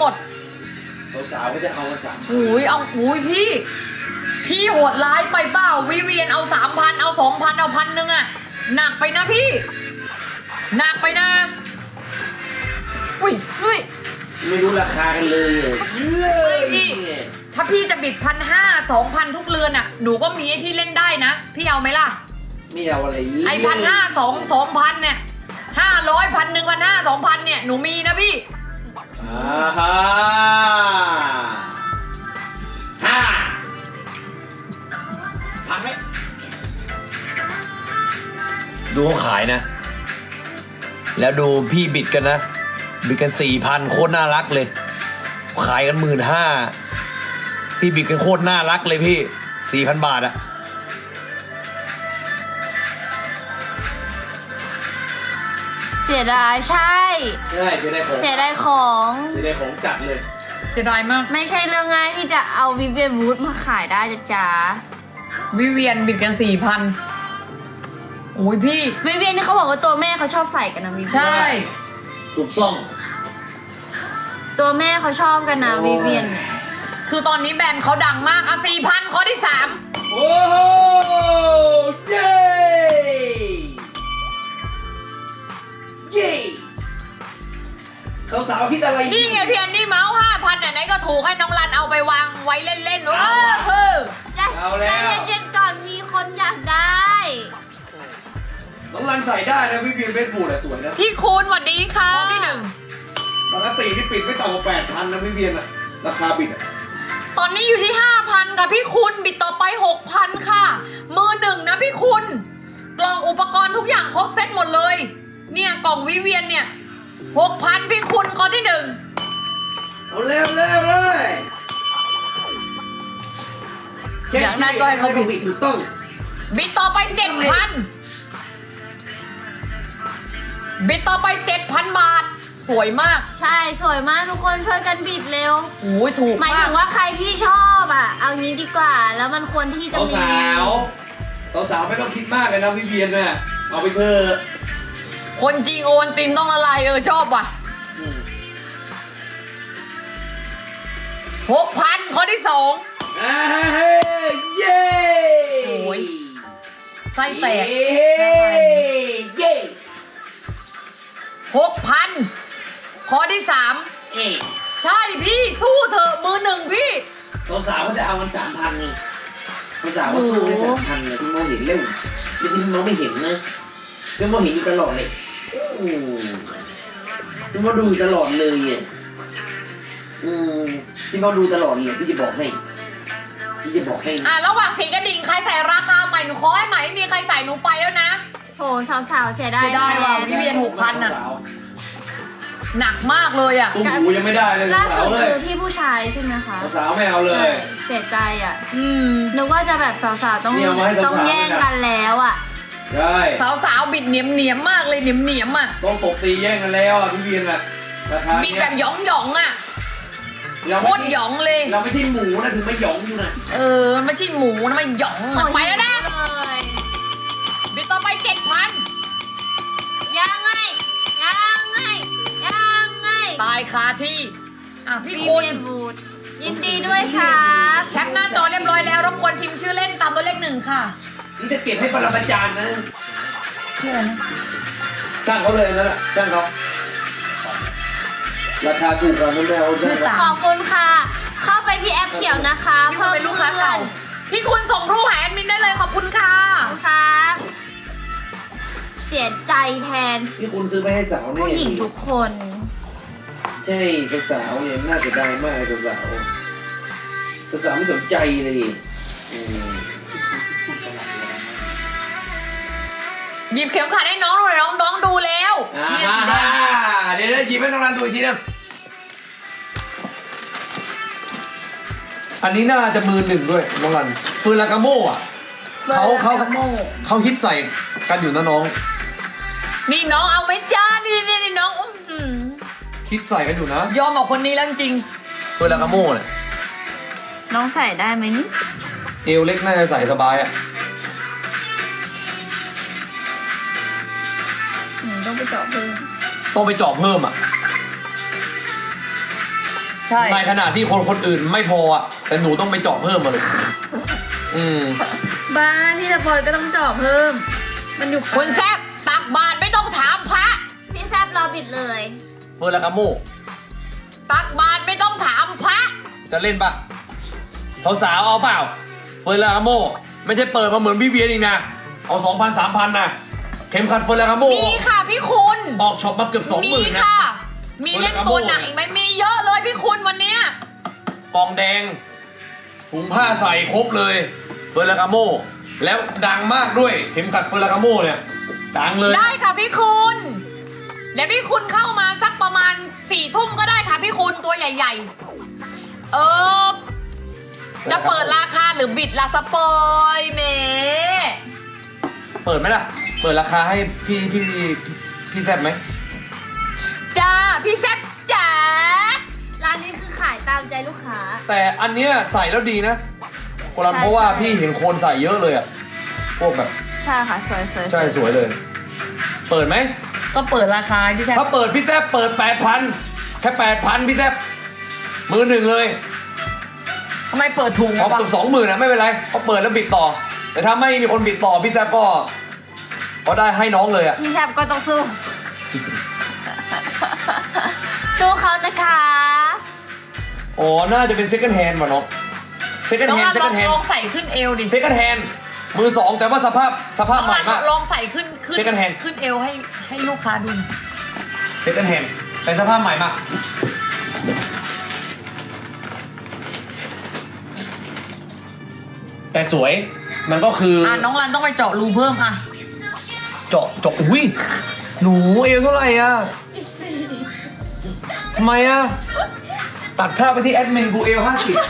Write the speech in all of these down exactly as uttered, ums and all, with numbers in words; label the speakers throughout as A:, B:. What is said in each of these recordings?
A: หมด
B: สาวๆก็จะเอามาจับ
A: อุ้ยเอาอุ้ยพี่พี่โหดร้ายไปเปล่าวิเวียนเอาสามพันเอาสองพันเอาพันหนึ่งอะหนักไปนะพี่หนักไปนะอุ้ยอุ้ย
B: ไม่รู้ราคากันเลย
A: พี่ถ้าพี่จะบิดพันห้าสองพันทุกเรือนอะหนูก็มีให้พี่เล่นได้นะพี่เอาไหมล่ะ
B: ไม่เอาอะไร
A: ไอพันห้าสองสองพันเนี่ยห้าร้อยพันหนึ่งพันห้าสองพันเนี่ยหนูมีนะพี่
B: อ่าฮะห้าพันไหม
C: ดูเขาขายนะแล้วดูพี่บิดกันนะบิดกันสี่พันโคตรน่ารักเลยขายกันหมื่นห้าพี่บิดกันโคตรน่ารักเลยพี่สี่พันบาทอะ
D: เสียดายใช่
B: ใช่เสียดายของ
D: เสียดายของ
B: เสียดายของจัดเลย
A: เสียดายมาก
D: ไม่ใช่เรื่องง่ายที่จะเอาวิเวียนวูดมาขายได้จ้ะจ๋า
A: วิเวียนบิดกันสี่พันโอ้ยพี่
D: วิเวียนนี่เขาบอกว่าตัวแม่เขาชอบใส่กันนะวิเวียน
A: ใช่
B: ถูกต้อง
D: ตัวแม่เขาชอบกันนะวิเวียนเนี่ย
A: คือตอนนี้แบรนด์เขาดังมากอ่ะสี่พันข้อที่สาม
B: โอ้โหเย้เย้สาวๆคิดอะไร
A: นี่ไงเพียนนี่เมาส์ห้าพันไหนก็ถูกให้น้องรันเอาไปวางไว้เล่นๆว่าเออ
D: ใจเย็นๆก่อนมีคนอยากได้
B: น้องรันใส่ได้นะพี่พีเฟซบุ๊กอะสวยนะ
A: พี่คูณสวัสดีค่ะข้อที่หนึ่ง
B: ปกติที่ปิดไม่ต่ำกว่าแปดพันนะพี่เพียนอะราคาปิดอะ
A: ตอนนี้อยู่ที่ห้าพันกับพี่คุณบิดต่อไปหกพันค่ะมือหนึ่งนะพี่คุณกล่องอุปกรณ์ทุกอย่างครบเซ็ตหมดเลยเนี่ยกล่องวิเวียนเนี่ยหกพันพี่คุณข้อที่หนึ่ง
B: เอาเร็วเร็วเลย
A: อย่างนั้นก็ให้เขาบิด
B: ถูกต้อง
A: บิดต่อไปเจ็ดพันบิดต่อไปเจ็ดพันบาทสวยมาก
D: ใช่สวยมากทุกคนช่วยกันบิดเร็ว
A: โอ้ยถูก
D: หมายถึงว่าใครที่ชอบอ่ะเอางี้ดีกว่าแล้วมันควรที่จะมี
B: สาวสาวไม่ต้องคิดมากเลยนะพี่เบียนน่ะเอาไปเถอะ
A: คนจริงโอนตินต้องละลายเออชอบว่ะหกพันข้อที่สอง
B: เย้
A: โอ้ยไส้แตก
B: เย้
A: หกพันข้อที่สามใช่พี่สู้เถอะมือหนึ่งพี่
B: สาวเขาจะเอามันสามพันไงสาวเขาสู้ให้สามพันเลยที่มองเห็นเร็วไม่ที่มองไม่เห็นนะที่มองเห็นอยู่ตลอดเลยที่มองดูตลอดเลยอ่ะอืมที่มองดูตลอดเลยพี่จะบอกให้พี่จะบอกให้
A: อ่ะระหว่างสีกระดิ่งใครใส่ราคาใหม่หนูขอให้ใหม่ไม่มีใครใส่หนูไปแล้วนะ
D: โหสาวๆเสียดาย
A: ได้ว่ะวิเวียนหกพันอ่ะหนักมากเลยอ่ะ
B: ตุ้มหูยังไม่ได้เลย
D: ล่าสุดคือที่ผู้ชายใช่ไหมคะ
B: สาวไม่เอาเลย
D: เสียใจอ่ะ
A: อืม
D: นึกว่าจะแบบสาวๆต้องต้องแย่งกันแล้วอ่ะ
B: ใช่
A: สาวๆบิดเหนียมเหนียมมากเลยเหนียมเหนียมอ่ะ
B: ต้องตบตีแย่งกันแล้วอ่ะพี่เวียนอ่ะราคา
A: บิดแบบหยองหยองอ่ะโคตรหยองเลย
B: เราไม่ใช่หมูนะถึงไม่หยองอยู่นะ
A: เออไม่ใช่หมูนะไม่หยองไปแล้วนะบิดต่อไปเจ็ดพัน
D: ยังไงยังไงยังไง
A: ตายคาที่อ่ะพี่คุณ
D: ยินดีด้วยครับ
A: แคปหน้าจอเรียบร้อยแล้วรบกวนพิมพ์ชื่อเล่นตามตัวเลขหนึ่งค่ะ
B: นี่จะเก็บให้ปรมาจารย์นะ
A: ชื่ออะไรนะ
B: จ้างเขาเลยนั่นแหละจ้างเขาราคาถูกกว่าไม่เอาจ้าง
D: ขอบคุณค่ะเข้าไปที่แอปเขียวนะคะ
A: เพิ่มเป็นลูกค้าเก่าพี่คุณส่งรูปหาแอดมินได้เลยขอบคุณค่ะ
D: ครับเสียใจแทน
B: พี่คุณซื้อไปให้สาว
D: ผู้หญิงทุกคน
B: ใช่สาวเนี่ยน่าจะได้มากสาวสาวสาวไม่สนใจเลย
A: หยิบเข็มขัดให้น้องหน่อยน้องน้องดูแล้ว
B: เนี่ยเดี๋ยวหยิบให้น้องรันดูอีกทีนึงอันนี้น่าจะมือหนึ่งด้วยน้องรันฟืนลากาโม่อะเขาเขาเขาฮิตใส่กันอยู่นะน้อง
A: นี่น้องเอาไหมจ้านี่นี่นี่น้อง
B: ฮิตใส่กันอยู่นะ
A: ยอมออกคนนี้แล้วจริง
B: ฟืนลากาโม่เนี่ย
D: น้องใส่ได้ไหมนี่
B: เอวเล็กน่าจะใส่สบายอะ
D: ต้องไปเจาะเพิ่ม
B: ต้องไปเจาะเพิ่มอ่ะ
A: ใช่
C: ในขณะที่คนคนอื่นไม่พออ่ะแต่หนูต้องไปเจาะเพิ่มมาเลย อืม
D: บ้านพี่สปอยก็ต้องเจาะเพิ่ม มันอยู่
A: คนแซบตักบาตรไม่ต้องถามพระ
D: พี่แซบรอบิดเลย
C: เฟิร์นและกาโม
A: ตักบาตรไม่ต้องถามพระ
C: จะเล่นปะสาวๆเอาเปล่าเฟิร์นและกาโมไม่ใช่เปิดมาเหมือนวิเวียนอีกนะเอาสองพันสามพันนะเข็มขัดเฟิร์นและกาโม
A: มีค่ะพี่คุณ
C: ออกช็อปมาเกือบสองห
A: มี
C: มื่นนะ
A: ค่ะ มีเล่นตัวหนักอีกไหมมีเยอะเลยพี่คุณวันเนี้ย
C: กองแดงถุงผ้าใส่ครบเลยเฟิร์นและกาโมแล้วดังมากด้วยเข็มขัดเฟิร์นและกาโมเนี่ยดังเลย
A: ได้ค่ะพี่คุณเดี๋ยวพี่คุณเข้ามาสักประมาณสี่ทุ่มก็ได้ค่ะพี่คุณตัวใหญ่ ๆ เออ จะเปิดราคาหรือบิดละสปอยเม
C: เปิดไหมล่ะ เปิดราคาให้พี่พี่พี่พี่แซบไหม
A: จ้าพี่แซบจ๋า
D: ร้านนี้คือขายตามใจลูกค้า
C: แต่อันเนี้ยใส่แล้วดีนะโคลัม
D: ใช่
C: เพราะว่า
D: ใช่
C: พี่เห็นคนใส่เยอะเลยอ่ะพวกแบบ
D: ใช่ค่ะ สวยสวย
C: ใช่สวยเลย เปิดไหม
A: ก็เปิดราคาพี่แซบ
C: ถ้าเปิดพี่แซบเปิดแปดพันแค่แปดพันพี่แซบมือหนึ่งเลย
A: ทำไมเปิดถุง
C: พอ
A: อะปะ
C: เกือบสองหมื่นนะไม่เป็นไรพอเปิดแล้วบิดต่อ แต่ถ้าไม่มีคนบิดต่อพี่แซบก็ก็ได้ให้น้องเลยอ่ะ
D: พี่แซบก็ต้องสู้ สู้เขานะคะ
C: อ๋อน่าจะเป็นเซ็กันแฮนด์ว่ะน้องเซ็กัน
A: น้อง
C: แฮน
A: รั
C: ด์
A: น
C: เซ็
A: ลอ
C: กั
A: ง
C: นแฮน
A: ล
C: ด์
A: องใส่ขึ้นเอวดิ
C: เซ็กันแฮนด์มือสองแต่ว่าสภาพสภาพ
A: น้อง
C: ใหม่
A: รัน
C: มาก
A: ลองใส่ขึ้นขึ้น
C: Second hand
A: ขึ้นเอวให้ให้ลูกค้าดูหน่อย
C: เซ็กันแฮนด์เป็นสภาพใหม่มากแต่สวยมันก็คือ
A: อ่ะน้องรันต้องไปเจาะรูเพิ่มอ่ะ
C: เจาะเจาะอุ้ยหนูเอวเท่าไหร่อ่ะทำไมอ่ะตัดภาพไปที่แอดมินกูเอลห้าสิบ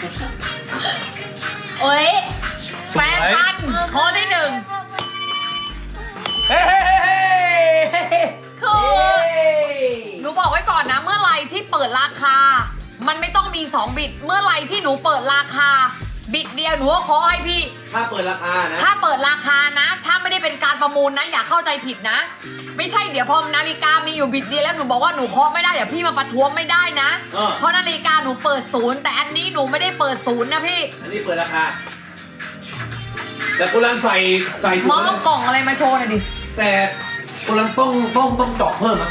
D: โอ้ย
C: ส
A: แป
C: วย
A: ดพันข้อที่หนึ่ง
C: เฮ้เฮ้เฮ้เฮ้
A: คือหนูบอกไว้ก่อนนะ เมื่อไหรที่เปิดราคา มันไม่ต้องมีสองบิด เมื่อไหรที่หนูเปิดราคา บิดเดียวหนูก็ขอให้พี่
C: ถ้าเปิดราคานะ
A: ถ้าเปิดราคานะ ถ้าไม่ได้เป็นการประมูลนะ อย่าเข้าใจผิดนะ ไม่ใช่เดี๋ยวพอนาฬิกามีอยู่บิดเดียวแล้วหนูบอกว่าหนูเคาะไม่ได้เดี๋ยวพี่มาประท้วงไม่ได้นะ
C: เออ
A: เพราะนาฬิกาหนูเปิดศูนย์แต่อันนี้หนูไม่ได้เปิดศูนย์นะพี่
C: อันนี้เปิดราคา แต่กุลันใส่ใส่ส
A: ม
C: ว
A: อย งกล่องอะไรมาโชว์หน่อยดิ
C: แต่กุลันต้องต้องต้องเจาะเพิ่มอ่ะ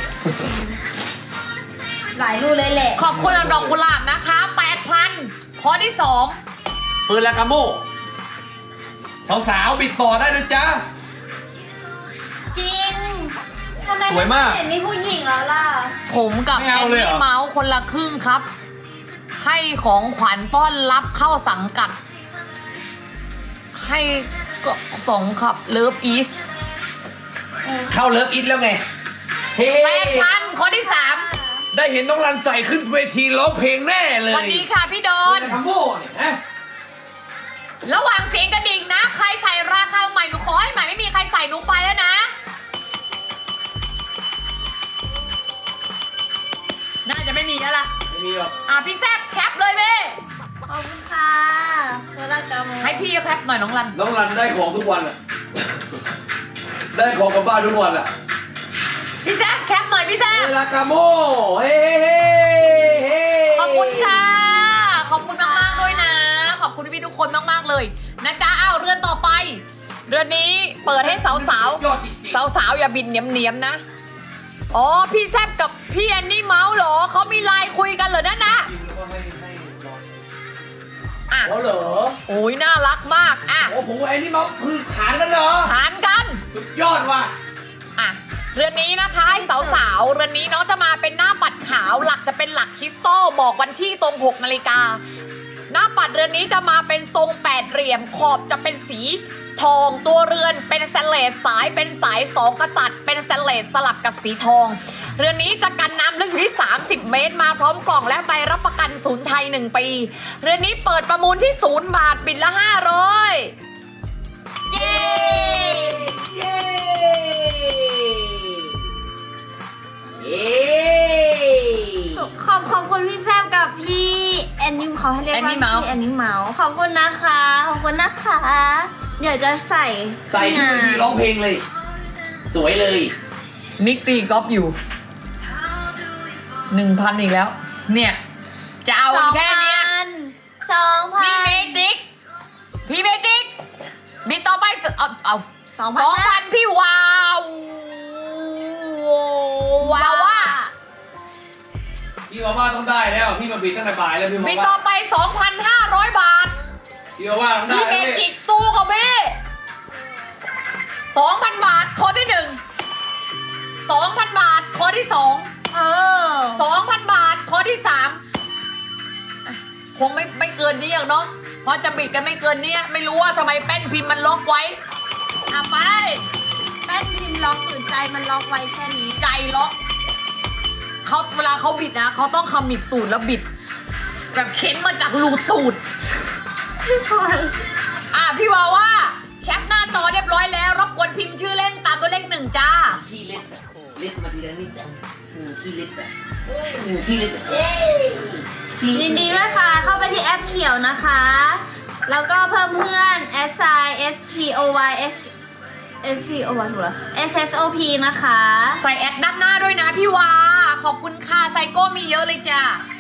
D: หลายรูเลยแหละ
A: ขอบคุณดอกกุหลาบนะคะแปดพันข้อที่สอง
C: เปิดราคาโมสาวๆบิดต่อได้นะจ๊ะ
D: จริงทำไม
C: สวยมาก
D: เห็นมีผู้หญิงแล้วล่ะ
A: ผมกับ
C: ไม่
A: แอ
C: เอา
A: น
C: เลยเหร
A: นี่
C: อ
A: เมาส์คนละครึ่งครับ ให้ของขวัญต้อนรับเข้าสังกัด ให้ก็สองครับเลิฟอีส
C: เข้าเลิฟอิทแล้วไง เฮ้
A: แปดพันข้อที่สาม
C: ได้เห็นน้องรันใส่ขึ้นเวทีร้องเพลงแน่เลย
A: วันนี้ค่ะพี่ดอ
C: เปิ
A: น
C: ดราคาโมเนี่ยนะ
A: ระหว่างเสียงกระดิ่งนะ ใครใส่ราคาใหม่หนูขอให้ใหม่ไม่มีใครใส่หนูไปแล้วนะ น่าจะไม่มีแล้วล่ะ
C: ไม่มีหรอก
A: อ่ะพี่แซบแคปเลยเว้
D: ขอบคุณค่ะเวลากรรม
A: ให้พี่แคปหน่อยน้องรัน
C: น้องรันได้ของทุกวันอ่ะ ได้ของกลับบ้านทุกวันอ่ะ
A: พี่แซบแคปหน่อยพี่แซบ
C: เปิดราคาโมเฮ้เฮ้เฮ้
A: ขอบคุณค่ะ ขอบคุณมากๆด้วยนะ ขอบคุณพี่ๆทุกคนมากๆเลยนะจ๊ะอ้าวเรือนต่อไป เรือนนี้เปิดให้สาว
C: ยอดจริง
A: ๆ สาวๆอย่าบินเนียมๆนะ อ๋อพี่แซบกับพี่แอนนี่เมาส์เหรอเขามีไลน์คุยกันเหรอนั่นนะ
C: ๆแล้วก็ให้ให้ลอง
A: อ่ะ
C: อ๋อเหรอ
A: โอ้ยน่ารักมาก อ่ะ
C: โอ้ผมไอ้นี่มาคือขานกันเหรอ
A: หารกัน
C: สุดยอดว่ะ
A: อ่ะ เรือนนี้นะคะให้สาวๆ เรือนนี้น้องจะมาเป็นหน้าปัดขาว หลักจะเป็นหลักคริสตัลบอกวันที่ตรงหกนาฬิกา หน้าปัดเรือนนี้จะมาเป็นทรงแปดเหลี่ยม ขอบจะเป็นสีทอง ตัวเรือนเป็นสแตนเลสสายเป็นสายสองกษัตริย์ เป็นสแตนเลสสลับกับสีทอง เรือนนี้จะกันน้ำลึกอยู่ที่ สามสิบ เมตร มาพร้อมกล่องและใบรับประกันศูนย์ไทยหนึ่งปี เรือนนี้เปิดประมูลที่ศูนย์บาทบิดละห้าร้อย
D: เย้
C: เย้เย้
D: ขอบขอบคุณพี่แซมกับพี่แอนนี่เขาให้เรียกว่า
A: แอนนี่เมาส์
D: พี่แอนนี่เมาส์ขอบคุณนะคะ ขอบคุณนะคะ เดี๋ยวจะใส่
C: ใส่ขึ้นเวทีร้องเพลงเลย สวยเลย
A: นิกตีกอล์ฟอยู่หนึ่งพันอีกแล้ว เนี่ยจะเอาแค่เนี้ย
D: สองพั
A: พี่
D: น
A: เมจิก พี่เมจิก บิดต่อไปเอาเอา
D: สอง
A: สอง
D: พั
A: พั
D: น
A: นพี่วาววาวว่า
C: พี่ว่าว่าต้องได้แล้วพี่มาบิดตั้งแต่บ่ายแล้วพี่
A: บิ
C: ว่า
A: ดต่อไปสองพันห้าร้อยบาท
C: พี่ว่าว่าต้องได้
A: พี่เม
C: แล้ว
A: จิ
C: พี่
A: กสู้กับพี่สองพันบาทข้อที่หนึ่งสองพันบาทข้อที่สอง
D: เออ
A: สองพันบาทข้อที่สามอ่ะคงไม่ไม่เกินนี้อย่างเนาะเพราะจะบิดกันไม่เกินเนี้ยไม่รู้ว่าทำไมแป้นพิมพ์มันล็อกไว้อ่ะไป
D: แป้นพิมพ์ล็อกหรือใจมันล็อกไว้แค่นี้
A: ใจล็อกเขาเวลาเขาบิดนะเขาต้องขมิบตูดแล้วบิด แบบเข็นมาจากรูตูด อ่ะพี่วาว่าแคปหน้าจอเรียบร้อยแล้วรบกวนพิมพ์ชื่อเล่นตามตัวเลขหนึ่งจ้า
B: ขี้เล็ดอะเล็ดมาทีละนิดอะอืมขี้เล็ดอะอืมขี้เล็ดอะขี้
D: ยินดีด้วยค่ะ เข้าไปที่แอปเขียวนะคะ แล้วก็เพิ่มเพื่อน s i s p o y s s p o y ถูกเหรอ s s o p นะคะ
A: ใส่แอดด้านหน้าด้วยนะพี่วาขอบคุณค่ะไซโก้มีเยอะเลยจ้า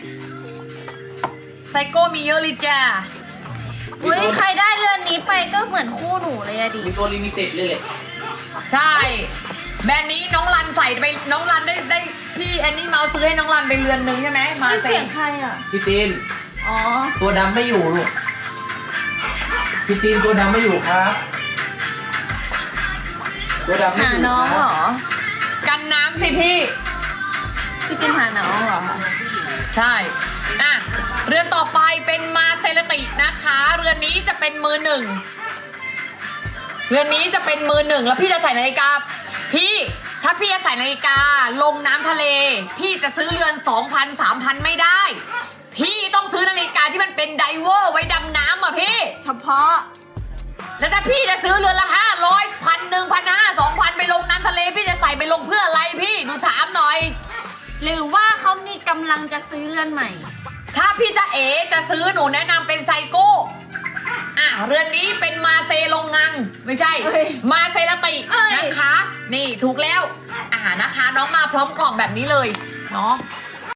A: ไซโก้มีเยอะเลยจ้า
D: อุ้ยใครได้เรือนนี้ไปก็เหมือนคู่หนูเลยอะดิ
B: มีตัวลิมิเต็ดเลยแหละ
A: ใช่ แบรนด์นี้น้องรันใส่ไปน้องรันได้ได้พี่แอนนี่เมาส์ซื้อให้น้องรันไปเรือนหนึ่งใช่ไหมมา
D: นี่
A: เซ็
D: เสีย
A: น
D: งใครอะ
B: พี่ตีน
D: อ๋อ
B: ตัวดำไม่อยู่ลูกพี่ตีนตัวดำไม่อยู่ครับ ตัวดำไม่
D: หา
B: อยู่
D: น้อง
B: ค
D: เหร
B: รับ
D: อ
A: กันน้ำสิพี่
D: พี่กินหาน้องเหรอคะ
A: ใช่ อ่ะ เรือนต่อไปเป็นมาเซเลตินะคะ เรือนนี้จะเป็นมือหนึ่ง เรือนนี้จะเป็นมือหนึ่งแล้วพี่จะใส่นาฬิกา พี่ ถ้าพี่จะใส่นาฬิกาลงน้ำทะเล พี่จะซื้อเรือนสองพันสามพันไม่ได้ พี่ต้องซื้อนาฬิกาที่มันเป็นไดเวอร์ไว้ดำน้ำอ่ะพี่
D: เฉพาะ
A: แล้วถ้าพี่จะซื้อเรือนละห้าร้อยพันหนึ่งพันห้าสองพันไปลงน้ำทะเล พี่จะใส่ไปลงเพื่ออะไรพี่หนูถามหน่อย
D: หรือว่าเขามีกำลังจะซื้อเรือนใหม่
A: ถ้าพี่จะเอ๋จะซื้อหนูแนะนำเป็นไซโก้ อ่ะเรือนนี้เป็นมาเซลงงัง ไม่ใช่
D: เอ้ย
A: มาเซลติ
D: เอ้ย
A: นะคะ นี่ถูกแล้ว อ่านะคะ น้องมาพร้อมกล่องแบบนี้เลยเนาะ